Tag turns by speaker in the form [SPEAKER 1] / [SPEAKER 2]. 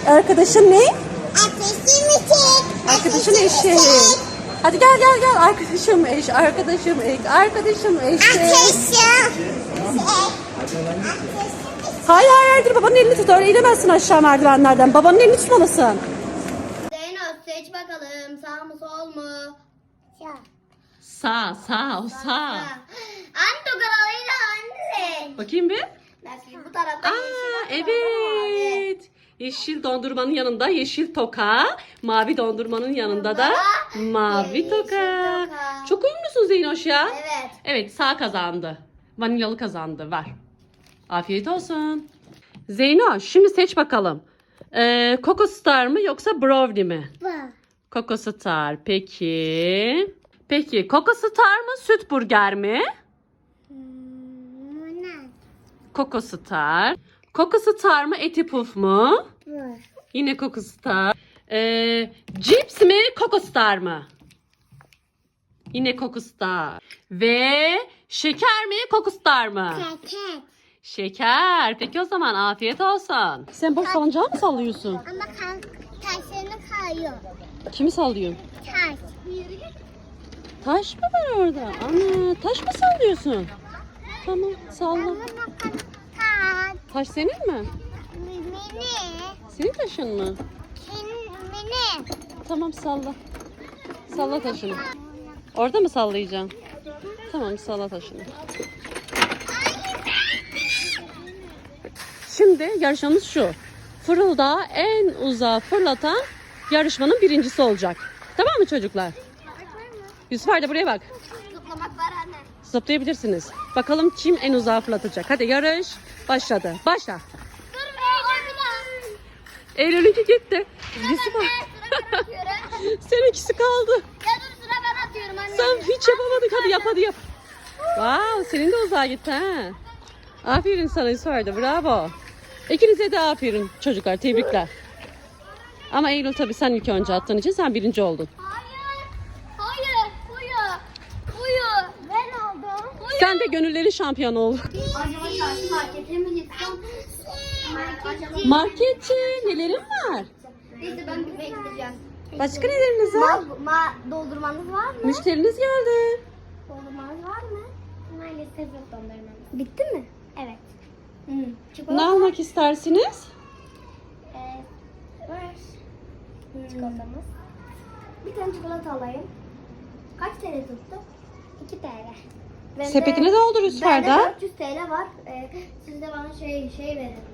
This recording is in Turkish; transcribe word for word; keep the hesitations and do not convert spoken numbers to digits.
[SPEAKER 1] Arkadaşın ne?
[SPEAKER 2] Arkadaşım eşek.
[SPEAKER 1] Arkadaşın eşek. Hadi gel gel gel. Arkadaşım eş, arkadaşım ek, arkadaşım eşek.
[SPEAKER 2] Arkadaşım.
[SPEAKER 1] Hayır hayır hayır, babanın elini tut. Öyle inemezsin aşağı merdivenlerden. Babanın elini tutmalısın.
[SPEAKER 3] Zeynep seç bakalım, sağ mı sol mu?
[SPEAKER 1] Sağ sağ o sağ.
[SPEAKER 3] Anne karalıyla anne.
[SPEAKER 1] Bakayım bir.
[SPEAKER 3] Mesela bu tarafta
[SPEAKER 1] Aa
[SPEAKER 3] yeşil, bu tarafta mavi.
[SPEAKER 1] evet. Yeşil dondurmanın yanında yeşil toka, mavi dondurmanın yanında da mavi
[SPEAKER 3] yeşil
[SPEAKER 1] toka.
[SPEAKER 3] toka.
[SPEAKER 1] Çok uyumlusun Zeynoş ya.
[SPEAKER 3] Evet.
[SPEAKER 1] Evet, sağ kazandı. Vanilyalı kazandı. Ver. Afiyet olsun. Zeynoş şimdi seç bakalım. Ee, Coco Star mı yoksa Brownie mi?
[SPEAKER 2] Bu.
[SPEAKER 1] Coco Star. Peki. Peki Coco Star mı süt burger mi?
[SPEAKER 2] Hmm,
[SPEAKER 1] Coco Star. Coco Star mı eti puf mu?
[SPEAKER 2] bu.
[SPEAKER 1] Yine Coco Star. Ee, cips mi Coco Star mı? Yine Coco Star. Ve şeker mi Coco Star mı?
[SPEAKER 2] Keket.
[SPEAKER 1] Şeker. Peki o zaman afiyet olsun. Sen boş salıncağı mı sallıyorsun?
[SPEAKER 2] Ama kan taşlarını kayıyor.
[SPEAKER 1] Kimi sallıyorsun?
[SPEAKER 2] Taş.
[SPEAKER 1] Taş mı var orada? Ana taş mı sallıyorsun? Tamam salla.
[SPEAKER 2] Ama bakın taş.
[SPEAKER 1] Taş senin mi?
[SPEAKER 2] Mini.
[SPEAKER 1] Senin taşın mı?
[SPEAKER 2] Mini.
[SPEAKER 1] Tamam salla. Salla taşını. Orada mı sallayacaksın? Tamam salla taşını. Şimdi yarışmamız şu. Fırıldağı en uzağa fırlatan yarışmanın birincisi olacak. Tamam mı çocuklar? Yusuf Arda buraya bak.
[SPEAKER 3] Zıplamak var anne.
[SPEAKER 1] Zıplayabilirsiniz. Bakalım kim en uzağa fırlatacak. Hadi yarış başladı. Başla.
[SPEAKER 3] Dur be.
[SPEAKER 1] Eylül'ünki gitti. Yusuf
[SPEAKER 3] Anne sıra ben atıyorum.
[SPEAKER 1] Seninkisi kaldı.
[SPEAKER 3] Ya dur sıra ben atıyorum anne.
[SPEAKER 1] Sen hiç yapamadık. Hadi yap hadi yap. Wow, senin de uzağa gitti ha. Aferin sana Yusuf Arda. Bravo. İkinize de aferin çocuklar. Tebrikler. Ama Eylül tabii sen ilk önce attığın için sen birinci oldun.
[SPEAKER 3] Hayır. Hayır. Uyu. Uyu. Ben oldum. Uyu.
[SPEAKER 1] Sen de gönüllerin şampiyonu oldun.
[SPEAKER 3] Acaba çarşı markete mi gitsem? Acaba...
[SPEAKER 1] Marketçi nelerin var?
[SPEAKER 3] Neyse ben bir bekleyeceğim.
[SPEAKER 1] Başka neleriniz var?
[SPEAKER 3] Ma, ma doldurmanız var mı?
[SPEAKER 1] Müşteriniz geldi.
[SPEAKER 3] Dondurmanız var mı? Maalesef yok dondurmamız. Bitti mi? Evet. Hmm.
[SPEAKER 1] Ne
[SPEAKER 3] Çikolata
[SPEAKER 1] almak istersiniz?
[SPEAKER 3] Ee, var. Çikolatamız. Bir tane çikolata alayım. Kaç T L tuttu? iki T L. Bende-
[SPEAKER 1] Sepetine doldur Yusuf
[SPEAKER 3] Bende
[SPEAKER 1] Arda.
[SPEAKER 3] dört yüz T L var. Ee, siz de bana şey şey verin.